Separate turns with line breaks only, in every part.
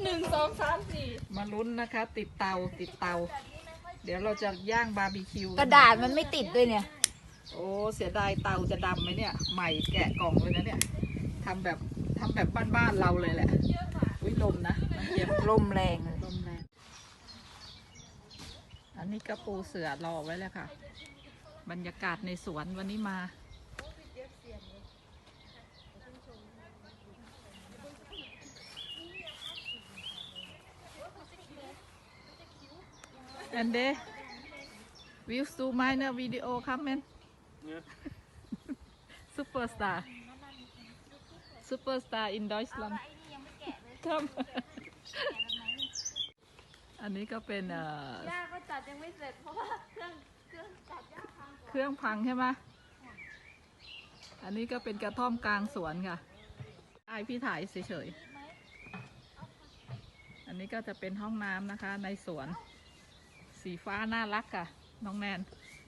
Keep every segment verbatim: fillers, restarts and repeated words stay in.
หนึ่งสองสามสี่
มาลุ้นนะคะติดเตาติดเตาเดี๋ยวเราจะย่างบาร์บีคิว
กระดาษมันไม่ติดด้วยเนี่ย
โอ้เสียดายเตาจะดำไหมเนี่ยใหม่แกะกล่องเลยนะเนี่ยทำแบบทำแบบบ้านๆเราเลยแหละอุ้ยลมนะมันเย็น
ลมแรงเลย
ลมแรงอันนี้ก็ปูเสือรอไว้แล้วค่ะบรรยากาศในสวนวันนี้มาอันเดวิวซูมายเนอร์วิดีโอคัมเมนซูเปอร์สตาร์ซูเปอร์สตาร์อินดอยสแลนด์คัมอันนี้ก็เป็นเอ่อย่า
ก็จัดยังไม่เสร็จเพราะว่าเครื่องเครื่องจัดย่าพัง
เครื่องพังใช่ไหมอันนี้ก็เป็นกระท่อมกลางสวนค่ะไอพี่ถ่ายเฉยๆอันนี้ก็จะเป็นห้องน้ำนะคะในสวนสีฟ้าน่ารักค่ะน้องแนน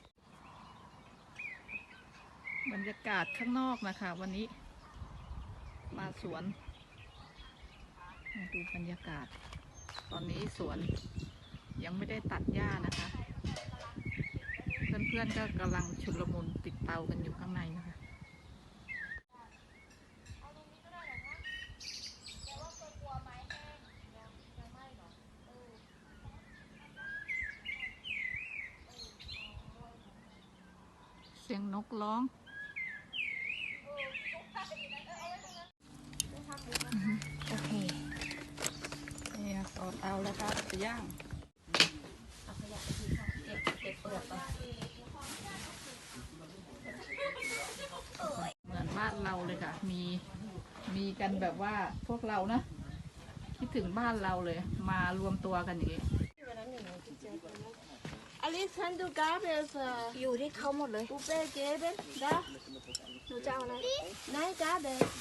บรรยากาศข้างนอกนะคะวันนี้มาสวนมาดูบรรยากาศตอนนี้สวนยังไม่ได้ตัดหญ้านะคะเพื่อนๆก็กำลังชุลมุนติดเตากันอยู่ข้างในนะคะเสียงนกร้อง
โอเค
นี่ต่อเตาแล้วครับจะย่างเหมือนบ้านเราเลยค่ะมีมีกันแบบว่าพวกเรานะคิดถึงบ้านเราเลยมารวมตัวกันอย่างนี้
อลิซันดูกาเบส
อยู่ที่เขาหมดเลย
ปูเป้เจ๊เบสดาหนูจะเอาอะไรนายกาเบส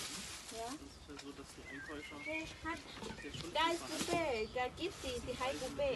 ได้ปูเป้กากิฟต์ที่ให้ปูเป้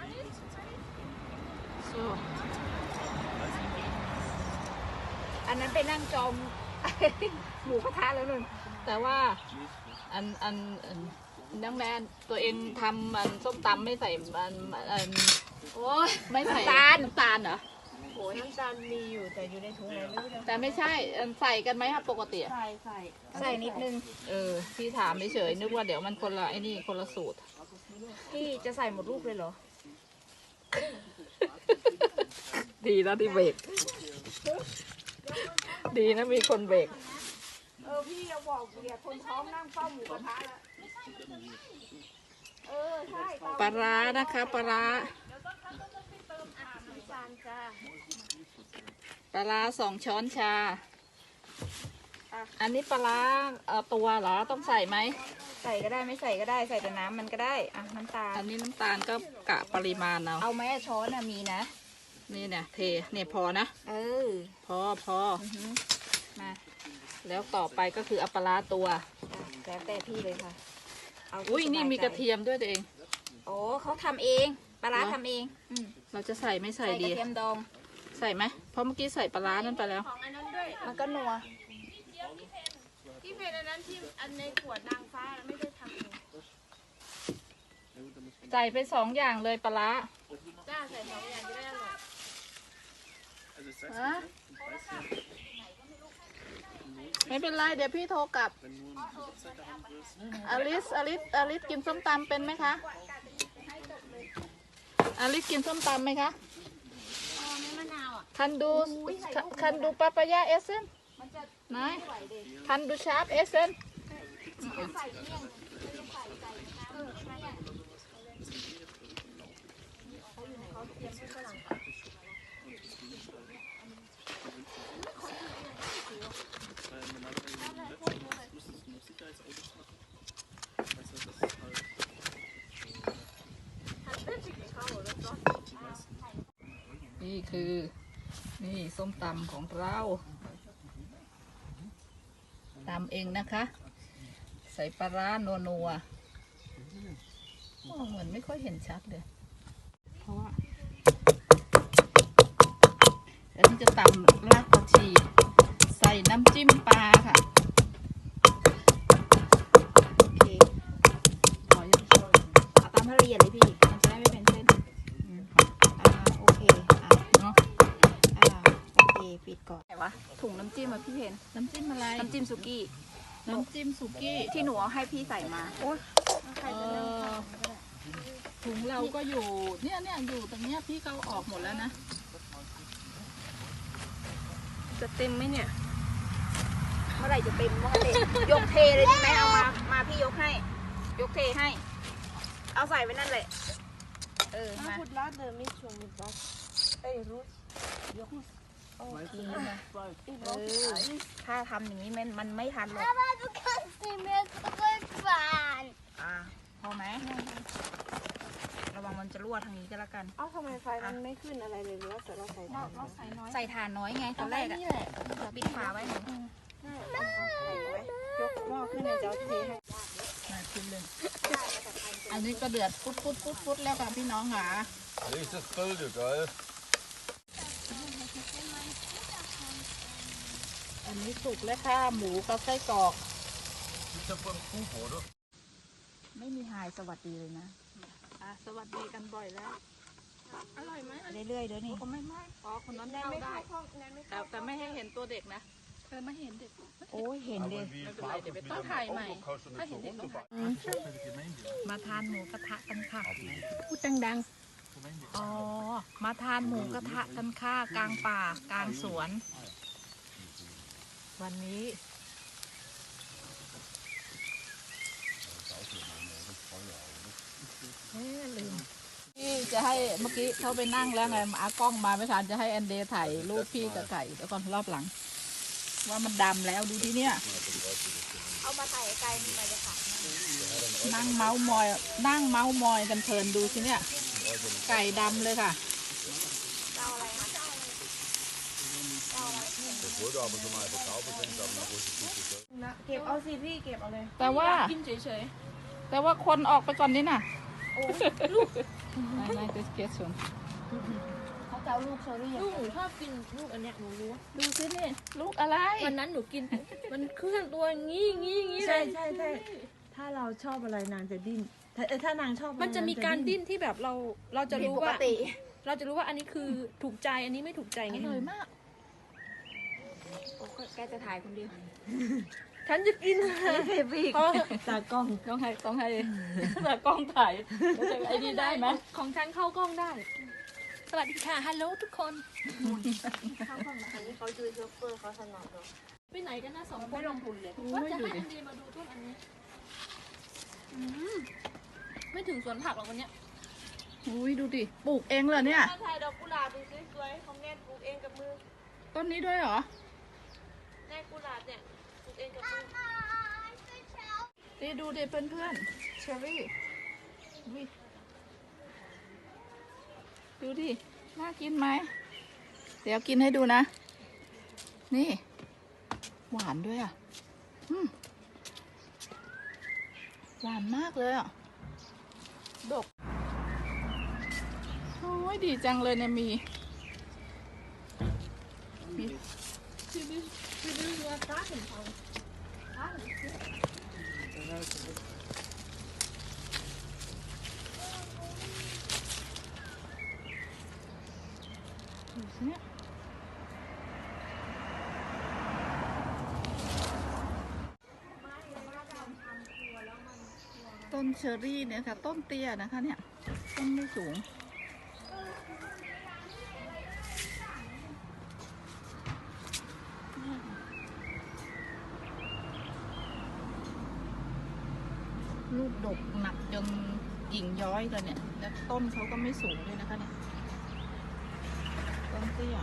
อันนั้นไปนั่งจอมหมูกระทะแล้วนึง
แต่ว่าอันอันนังแนนตัวเองทำมันส้มตำไม่ใส่มันอัน
โอ้ย
ไม่ใส่น้ำตาลน้ำตาลเหรอ
โอ้ยน้ำตาลมีอยู่แต่อยู่ในถุงไหนไม่รู้
แต่ไม่ใช่ใส่กันไหมครับปกติ
ใส่ใส่
ใส่นิดนึง
เออพี่ถามเฉยนึกว่าเดี๋ยวมันคนละไอ้นี่คนละสูตร
พี่จะใส่หมดลูกเลยเหรอ
ดีนะที่เบรกดีนะมีคนเบรก
เออพี่เราบอกเดี๋ยวคนท้องนั่งเฝ้าหมูกระทะแล้วเออใช่
ปลาร้านะคะปลาร้าปลาร้าสองช้อนชาอันนี้ปลาร้าเอ่อตัวเหรอต้องใส่ไหม
ใส่ก็ได้ไม่ใส่ก็ได้ใส่แต่น้ำมันก็ได้อ่ะน้ำตาล
อันนี้น้ำตาลก็กะปริมาณเอา
เอาไหมช้อนน่ะมีนะ
นี่เนี่ยเทเนี่ยพอนะ
เออ
พอพอ
มา
แล้วต่อไปก็คือเอาปลาร้าตัว
แล้วแต่พี่เลยค่ะ
อุ้ยนี่มีกระเทียมด้วยตัวเอง
โอ้เขาทำเองปลาร้าทำเอง
เราจะใส่ไม่ใส่ดี
กระเทียมดอง
ใส่ไหมเพราะเมื่อกี้ใส่ปลาร้านั่นไปแล้ว
มันก็นัว
ที่เป็นอันนั้นที่อันในขวดนางฟ้าไม่ได้ทำเอง
ใส่ไปสองอย่างเลยปลาร้า
จ้าใส่สองอย่างจะได้อร่อย
ฮะไม่เป็นไรเดี๋ยวพี่โทรกลับอลิสอลิสอลิสกินส้มตำเป็นไหมคะอลิสกินส้มตำไหมคะคันดูคันดูปาปายาเอเซนไหนคันดูชาร์ปเอเซนนี่คือนี่ส้มตำของเราตำเองนะคะใส่ปลาร้านัวนัวเหมือนไม่ค่อยเห็นชัดเลยเพราะว่าอันนี้จะตำรากผักชีใส่น้ำจิ้มปลาค่ะโอเคพอยัง
เหยียดเลยพี่ มันจะได้ไม่เป็นเส้นอืมอ่าโอเคอ่ะ
เนาะ
อ่าโอเคปิดก่อน
ไหนวะถุงน้ำจิ้มอะพี่เพน
น้ำจิ้มอะไร
น้ำจิ้มสุกี้
น้ำจิ้มสุกี้
ที่หนูเอาให้พี่ใส่มาโอ้ยใคร
เอ
จะนั่ง
อถุงเราก็อยู่เนี่ยเนี่ยอยู่ตรงเนี้ยพี่เขาออกหมดแล้วนะ
จะเต็มไหมเนี่ย
เมื่อไหร่จะเต็มเมื่อไหร่ยกเทเลยดีไหมเอามา มาพี่ยกให้ ยกเทให้ เอาใส่ไว้นั่นแหละ เออ มา
พูดลาดเดิมไม่ชงมิบล็อกเอ้ยรู้ยกโอเคนะ
เออ ถ้าทำอย่างนี้มันมันไม่ทันหรอก
Aber du kannst nicht mehr zurückfahren.
อ่า พอไหม ระวังมันจะรั่วทางนี้ก็แล้วกัน
เอ้าทำไมไฟมันไม่ขึ้นอะไรเลยหรือว่าเราใส่ถ่าน
เราใส่น้อย
ใส่ถ่านน้อยไงตอนแรกอะ
นี่แหละ
ปิดฝาไว้หนู
ยกหม้อขึ้นเลยจะเอาเทให้
มาชิมเลยอันนี้ก็เดือดฟุดฟุดฟุดฟุดแล้วค่ะพี่น้องค่ะ
Nächstes Bild, geil.
อันนี้สุกแล้วค่ะหมูกับไส้กรอก
Ist ja von Kuh, oder?
ไม่มีหายสวัสดีเลยนะ
อ่ะสวัสดีกันบ่อยแล้ว อร่อยไหม
เรื่อยๆเดี๋ยวนี้
ก็ไม่ไม่อ๋อคนนั้น
แนน
เข้า
ไม่
ได้
เข้าห้องแนนไม่
แต่
เข้า
แต่ไม่ให้เห็นตัวเด็กนะเออไม่เห็นเด็ก
โอ้ยเห็นเลย
Aber wie
ไม่เป็นไร
fahren
เดี๋ยวไป
wir
ต้อง
mit
ถ่าย
dem
ใหม่
Auto? Kannst du
ถ้า
nicht
เห็น
so
เด็กต้องถ่าย
runterfahren?
มาทานหมูกระทะกันค่ะ
พูดดัง
อ๋อ มาทานหมูกระทะกันค่ะกลางป่ากลางสวน วันนี้ เฮ้ยลืม
พี่จะให้เมื่อกี้เขาไปนั่งแล้วไงอากล้องมาไม่ทันจะให้แอนเดย์ถ่ายรูปพี่กับไก่เดี๋ยวก่อนรอบหลัง ว่ามันดำแล้วดูที่เนี่ย
เอามาใส่ไก่มีมาจะขาด
นั่งเมาส์มอย นั่งเมาส์มอยกันเพลินดูสิเนี่ย ไก่ดำเลยค่ะ
Das wollte aber schon mal verkaufen, aber nach große Tüte.
ๆนะเก็บเอาสิพี่เก็บเอาเลย
แต่ว่า
กินเฉย
แต่ว่าคนออกไปก่อนนี่น่ะไม่ไม่เกสส่วน
เขาจะเอาลูกเชอรี่
ลูกหนูชอบกินลูกอันเนี้ยหนูรู้
ดูสินี่ลูกอะไร
วันนั้นหนูกิน มันเคลื่อนตัวงี้งี้งี้เล
ใช่
ย
ใช่ใช่ถ้าเราชอบอะไรนางจะดิ้นถ้าเออถ้านางชอบอไร
มันจะมีการดิ้นที่แบบเราเราจะรู้
ปก
ว่า
ติ
เราจะรู้ว่าอันนี้คือถูกใจอันนี้ไม่ถูกใจ
อ
ไง
ร่อยมาก
โอ้ยแกจะถ่ายคนเดียว
ฉันจะกิน
เทพี่ตากล้อง
ต้องให้ต้องให้แต่กล้องถ่ายแล้วจะไอ้นี่ได้ไหม
ของฉันเข้ากล้องได้ สวัสดีค่ะฮัลโหลทุกคน
อันนี้เขาดูเชฟเฟอร์เขาถนัดเลย
ไปไหนกันนะสองคน
ไม่ลงทุนเลย
ว่าจะให้อันดีมาดูต้นอันนี้อืมไม่ถึงสวนผักหรอกวันเนี้ย
อุ้ยดูดิปลูกเองเหรอเนี่ย
ถ้าถ่ายดอกกุหลาบสวยๆของแนนปลูกเองกับมือ
ต้นนี้ด้วยเหรอ
แนนกุหลาบเนี่ยปลูกเองกับมือ
นี่ดูดิเพื่อนๆเชอรี่อุ๊ยดูดิ น่ากินไหม เดี๋ยวกินให้ดูนะ นี่ หวานด้วยอ่ะอืมหวานมากเลยอ่ะ ดก โอ้ยดีจังเลยเนี่ยมี มี ดูสิเนี่ยต้นเชอรี่เนี่ยค่ะ ต้นเตี้ยนะคะเนี่ย ต้นไม่สูง ลูกดกหนักจนกิ่งย้อยเลยเนี่ย แล้วต้นเขาก็ไม่สูงด้วยนะคะเนี่ย ต้นเตี้ย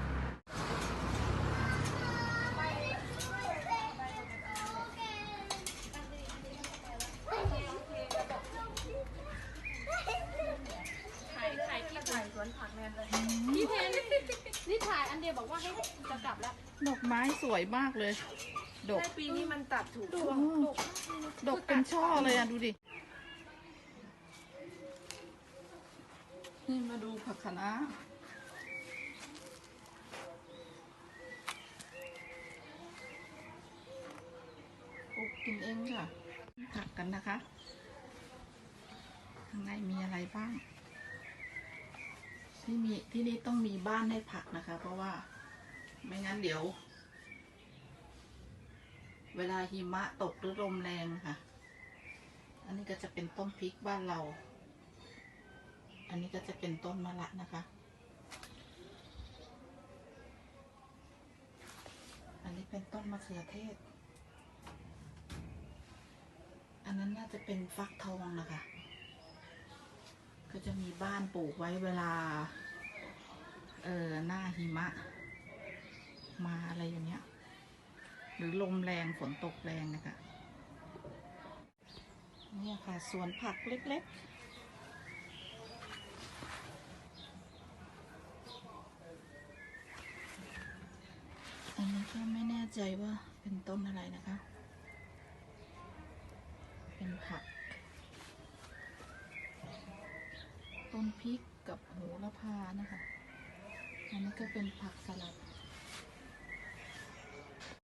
ถ่ายถ่ายที่ถ่ายสวนผักแมนเลยพี่เพนนี่ถ่ายอันเดียวบอกว่าให้จะกลับแล้ว
ดอกไม้สวยมากเลย ดก
ใช่ปีนี้มันตัดถูกช่วง
ดกเป็นช่อเลยอ่ะ ดูดิ นี่มาดูผักคะน้าปลูกกินเองค่ะ ผักกันนะคะข้างในมีอะไรบ้าง ที่มีที่นี่ต้องมีบ้านให้ผักนะคะ เพราะว่าไม่งั้นเดี๋ยว เวลาหิมะตกหรือลมแรงค่ะ อันนี้ก็จะเป็นต้นพริกบ้านเรา อันนี้ก็จะเป็นต้นมะระนะคะ อันนี้เป็นต้นมะเขือเทศ อันนั้นน่าจะเป็นฟักทองนะคะ ก็จะมีบ้านปลูกไว้เวลา เออหน้าหิมะ มาอะไรอย่างเงี้ย หรือลมแรงฝนตกแรงนะคะเนี่ยค่ะสวนผักเล็กๆ อันนี้ก็ไม่แน่ใจว่าเป็นต้นอะไรนะคะ เป็นผัก ต้นพริกกับโหระพานะคะ อันนี้ก็เป็นผักสลัด